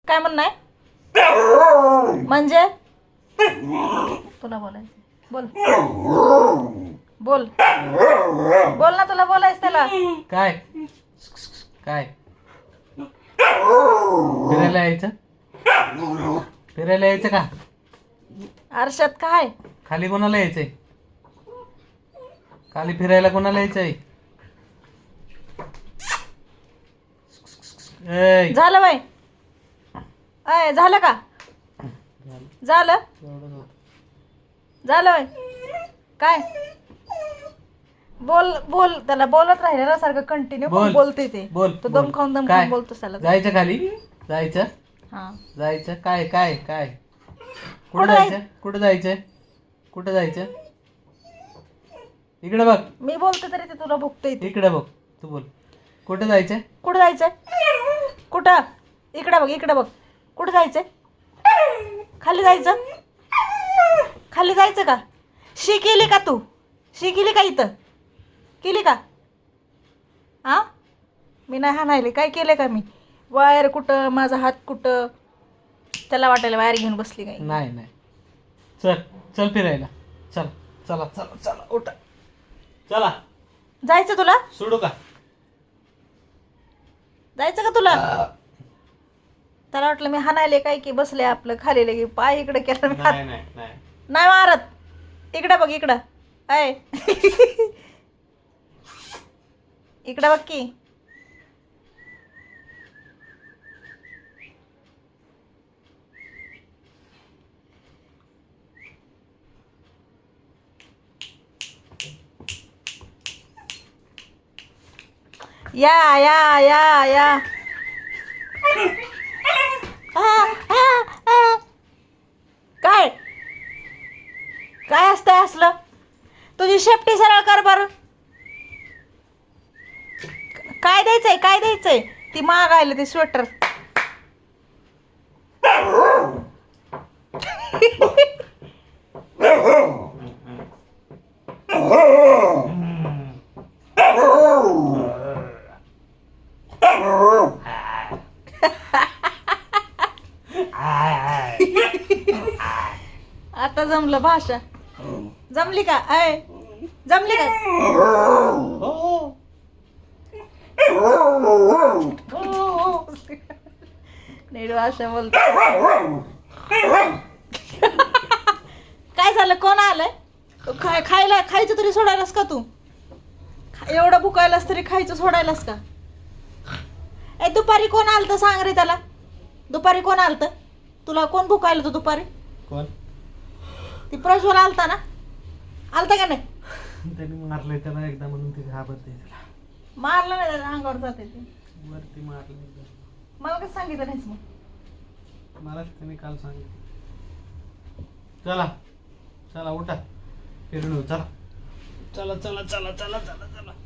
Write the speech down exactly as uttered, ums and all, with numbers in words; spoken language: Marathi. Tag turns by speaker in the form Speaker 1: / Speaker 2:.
Speaker 1: काय म्हणणं म्हणजे तुला बोलायचं बोल बोल बोल ना तुला बोलायचं त्याला
Speaker 2: काय काय फिरायला यायचं फिरायला यायचं का
Speaker 1: आरशात काय
Speaker 2: खाली कोणाला यायचंय खाली फिरायला कोणाला यायचंय ए
Speaker 1: झालं बाई अय झालं का झालं झालं बाई काय बोल बोल त्याला बोलत राहिले ना सारखं कंटिन्यू
Speaker 2: बोल.
Speaker 1: बोलते ते
Speaker 2: बोल
Speaker 1: तो
Speaker 2: बोल.
Speaker 1: दम खाऊन दम
Speaker 2: काय?
Speaker 1: खाऊन बोलतो त्याला
Speaker 2: जायचं खाली जायचं
Speaker 1: हा
Speaker 2: जायचं काय काय काय कुठं
Speaker 1: कुठं जाय-
Speaker 2: जायचं कुठं जायचं कुठं जायचं इकडे बघ
Speaker 1: मी बोलते तरी ते तुला भुकते ते
Speaker 2: इकडे बघ तू बोल कुठं जायचं
Speaker 1: कुठं जायचंय कुठं इकडे बघ इकडे बघ कुठं जायचंय खाली जायचं खाली जायचं का शी केली का तू शी केली का इथं केली का हा मी नाही हाणायले काय केलं का मी वायर कुठं माझा हात कुठं त्याला वाटायला वायर घेऊन बसली काय
Speaker 2: नाही नाही चल चल फिरायला चल चला चला चला उठा चला
Speaker 1: जायचं तुला
Speaker 2: सोडू का
Speaker 1: जायचं का तुला त्याला वाटलं मी हाणायले काय की बसले आपलं खाली लगे पाय इकडे केलं मी हात
Speaker 2: नाही नाही नाही
Speaker 1: नाही मारत इकडे बघ इकडं अय इकडं बघ की या या या या आ, आ, आ. काय काय असतंय असलं तुझी शेपटी सरळ कर बरं काय द्यायचंय काय द्यायचंय ती मागायला ती स्वेटर आता जमलं भाषा जमली का अय जमली का नीट भाषा बोलतो काय झालं कोण आलंय खाय खायला खायचं तरी सोडायलास का तू एवढं भुकायलास तरी खायचं सोडायलास का ए दुपारी कोण आलतं सांग रे त्याला दुपारी कोण आलतं तुला कोण भुकायला तू दुपारी
Speaker 2: कोण
Speaker 1: ती प्रज्वल आलता ना आलता का नाही
Speaker 2: त्यांनी मारलंय त्याला एकदा म्हणून ते घाबरते त्याला
Speaker 1: मारलं नाही त्याच्या अंगावर जाते ते
Speaker 2: वरती मारलं एकदा
Speaker 1: मला कसं सांगितलं नाहीस मग
Speaker 2: मलाच त्यांनी काल सांगितलं चला चला उठा फिरून येऊ चला चला चला चला चला चला चला